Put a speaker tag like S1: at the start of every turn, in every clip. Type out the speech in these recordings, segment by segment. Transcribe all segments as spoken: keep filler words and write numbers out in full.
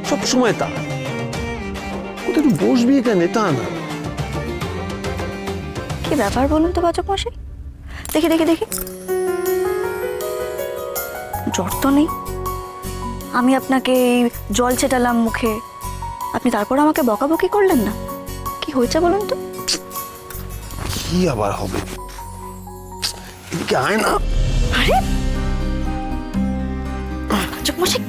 S1: সব সময় তা কোথায় একটু বসবি এখানে, তা না।
S2: কি ব্যাপার বলুন তো বাচক মশাই? দেখি দেখি দেখি, জ্বর তো নেই। আমি আপনাকে এই জল ছেটালাম মুখে, আপনি তারপর আমাকে বকাবকি করলেন না। কি হয়েছে বলুন তো?
S1: কি আবার হবে, এদিকে আয় না।
S2: আরে বাচক মশাই,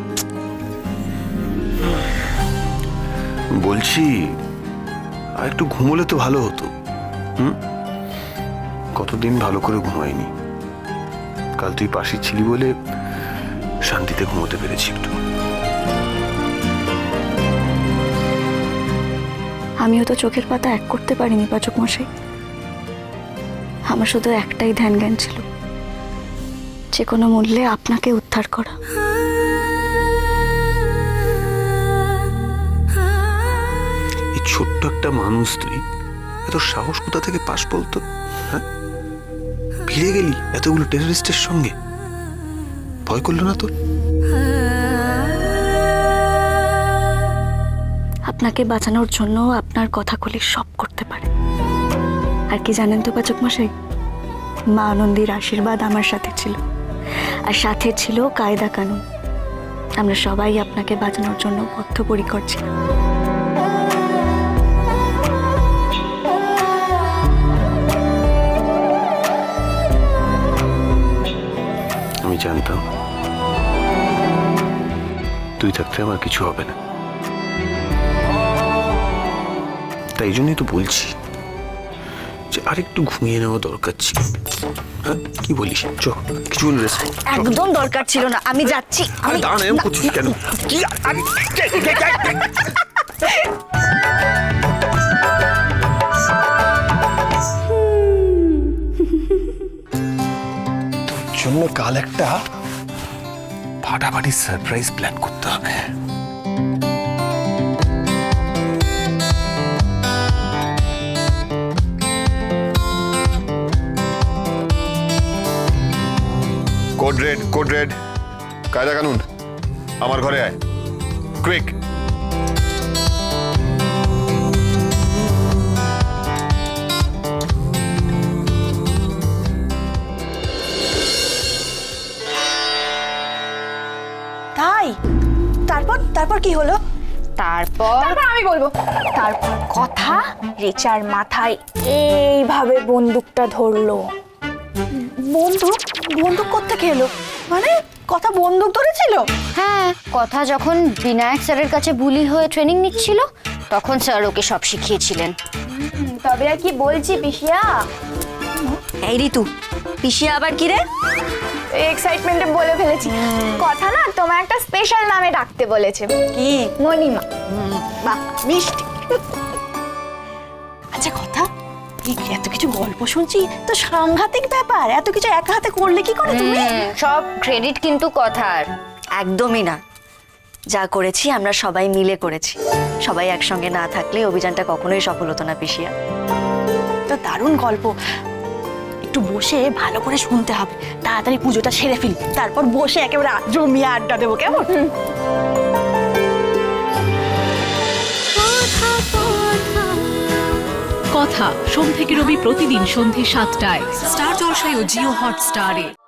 S1: বলছি আর একটু ঘুমোলে তো ভালো হতো। হুম, কতদিন ভালো করে ঘুমাইনি। কাল তুই পাশে ছিলি বলে শান্তিতে ঘুমোতে পেরেছি একটু।
S2: আমিও তো চোখের পাতা এক করতে পারিনি বাচক মশাই। আমার শুধু একটাই ধ্যান জ্ঞান ছিল, যে কোনো মূল্যে আপনাকে উদ্ধার করা।
S1: এই ছোট্ট একটা মানুষ, তুই এত সাহস কোথা থেকে পাস বলতো? হ্যাঁ, ভিড়ে গেলি এতগুলো টেররিস্টের সঙ্গে, ভয় করলো না তোর?
S2: আপনাকে বাঁচানোর জন্য আপনার কথাগুলি সব করতে পারে। আর কি জানেন তো বাচক মশাই, মা আনন্দীর আশীর্বাদ আমার সাথে ছিল, আর সাথে ছিল কায়দা কানুন। আমরা সবাই আপনাকে বাঁচানোর জন্য বদ্ধপরিকর ছিলাম।
S1: আমি জানতাম তুই থাকতে আমার কিছু হবে না, তাই জন্যই তো বলছি যে আরেকটু ঘুমিয়ে নেওয়া দরকার ছিল। হ্যাঁ, কি বলিস? চ, কিছু রেস্ট।
S2: একদম দরকার ছিল না, আমি যাচ্ছি।
S1: আরে দাঁড়া, এরকম করছিস কেন? কি আরে, তোর জন্য কাল একটা ফাটাফাটি সারপ্রাইজ প্ল্যান করতে হবে।
S3: কোড রেড, কোড রেড, কায়দা কানুন, আমার ঘরে আয়, কুইক।
S2: তাই তারপর তারপর কি হলো?
S4: তারপর
S5: তারপর আমি বলবো। তারপর কথা রিচার মাথায় এইভাবে বন্দুকটা ধরলো।
S2: বন্দুক? বন্দুক কোত্থেকে এলো? মানে কথা বন্দুক ধরেছিল?
S4: হ্যাঁ, কথা যখন বিনায়ক স্যারের কাছে বুলি হয়ে ট্রেনিং নিচ্ছিল, তখন স্যার ওকে সব শিখিয়েছিলেন।
S5: তবে আর কি বলছি পিসিয়া,
S2: এই ঋতু, পিসিয়া আবার কি রে?
S5: এক্সাইটমেন্টে বলে ফেলেছি। কথা না তোমার একটা স্পেশাল নামে ডাকতে বলেছে।
S2: কি?
S5: মণিমা।
S2: বাহ, মিষ্টি। আচ্ছা কথা, এই এত কিছু গল্প শুনছি তো সাংঘাতিক ব্যাপার। এত কিছু একা হাতে করলে কি করে তুমি?
S4: হুম, সব ক্রেডিট কিন্তু কথার।
S2: একদমই না, যা করেছি আমরা সবাই মিলে করেছি। সবাই একসঙ্গে না থাকলে অভিযানটা কখনোই সফল হতো না পিসিয়া। তো দারুণ গল্প, একটু বসে ভালো করে শুনতে হবে। তাড়াতাড়ি পুজোটা সেরে ফেলি, তারপর বসে একেবারে জমিয়ে আড্ডা দেবো, কেমন?
S6: কথা সোম থেকে রবি প্রতিদিন সন্ধে সাতটায় স্টার জলসায় ও জিও হটস্টারে।